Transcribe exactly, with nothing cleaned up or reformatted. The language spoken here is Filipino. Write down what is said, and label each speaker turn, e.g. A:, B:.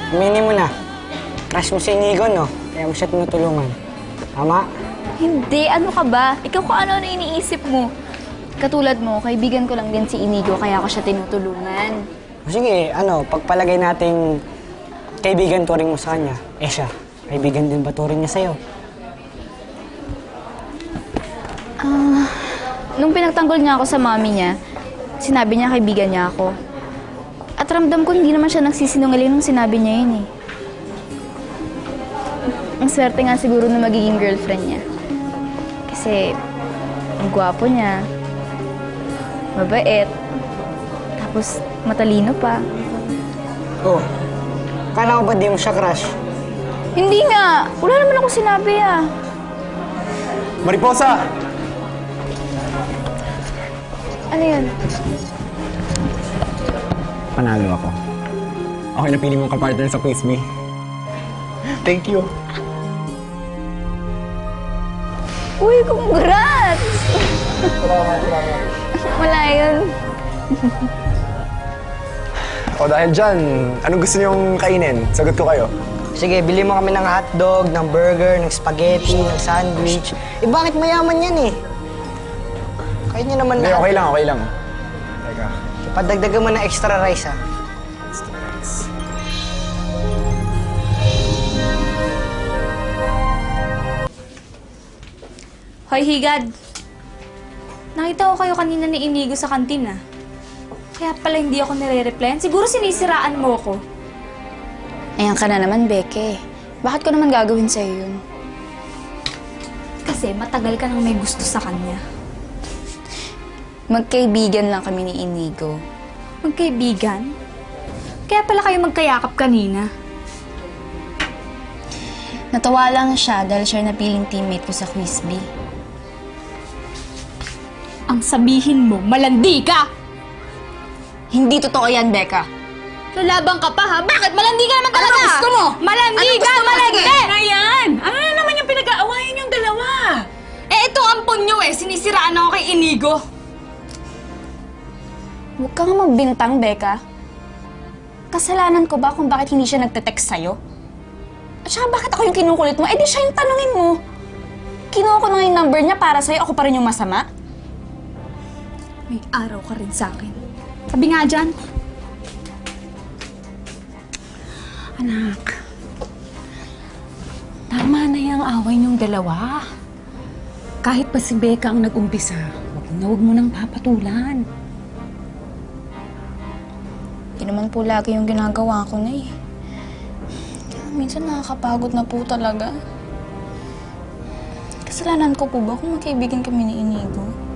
A: aminin mo na. Crush mo si Inigo, no? Kaya mo siya tinutulungan. Tama?
B: Hindi, ano ka ba? Ikaw kung ano-ano iniisip mo. Katulad mo, kaibigan ko lang din si Inigo, kaya ako siya tinutulungan.
A: Sige, ano, pagpalagay nating kaibigan turing mo sa kanya, eh siya, kaibigan din ba turing niya sa'yo?
B: Ah, uh, nung pinagtanggol niya ako sa mami niya, sinabi niya kaibigan niya ako. At ramdam ko hindi naman siya nagsisinungaling nung sinabi niya yun eh. Ang swerte nga siguro na magiging girlfriend niya. Kasi, ang gwapo niya, mabait, tapos matalino pa.
A: Oh, kala ko ba di mo siya crush?
B: Hindi nga! Wala naman ako sinabi ah.
C: Mariposa!
B: Ano yun?
C: Panalo ako. Okay, napili mong kapartner sa Quiz Me. Thank you.
B: Uy, congrats! Wala yun.
C: O dahil dyan, anong gusto niyong kainin? Sagot ko kayo.
A: Sige, bili mo kami ng hotdog, ng burger, ng spaghetti, ng sandwich. Eh bakit mayaman yan eh? Kaya niyo naman
C: Hindi,
A: lahat.
C: okay lang, okay lang. Teka.
A: Padagdagan mo ng extra rice ha.
D: Hoy, Higad. Nakita ko kayo kanina ni Inigo sa kantin, ah. Kaya pala hindi ako nire-replyan. Siguro sinisiraan mo ko.
B: Ayan ka na naman, Beke. Bakit ko naman gagawin sa'yo yun?
D: Kasi matagal ka nang may gusto sa kanya.
B: Magkaibigan lang kami ni Inigo.
D: Magkaibigan? Kaya pala kayo magkayakap kanina.
B: Natawa lang siya dahil siya napiling teammate ko sa Quiz Bee.
D: Ang sabihin mo, malandi ka!
B: Hindi totoo yan, Becca.
D: Lalaban ka pa, ha? Bakit? Malandi ka naman talaga!
B: Ano gusto mo?
D: Malandi
B: Ano
D: ka!
B: gusto mo?
D: Malandi!
B: Sige.
E: Ayan! Ano na naman yung pinag-aawayan yung dalawa?
D: Eh, ito ampon nyo eh. Sinisiraan ako kay Inigo.
B: Huwag kang magbintang, Becca. Kasalanan ko ba kung bakit hindi siya nagte-text sa'yo? At saka bakit ako yung kinukulit mo? Eh di siya yung tanungin mo. Kinuha ko na yung number niya para sa'yo, ako pa rin yung masama?
D: May araw ka rin sa akin. Sabi nga dyan.
E: Anak, tama na yung away niyong dalawa. Kahit pa si Becca ang nag-umpisa, huwag na huwag mo nang papatulan.
B: Hindi naman po lagi yung ginagawa ko na eh. Minsan nakakapagod na po talaga. Kasalanan ko po ba kung magkaibigan kami ni Inigo?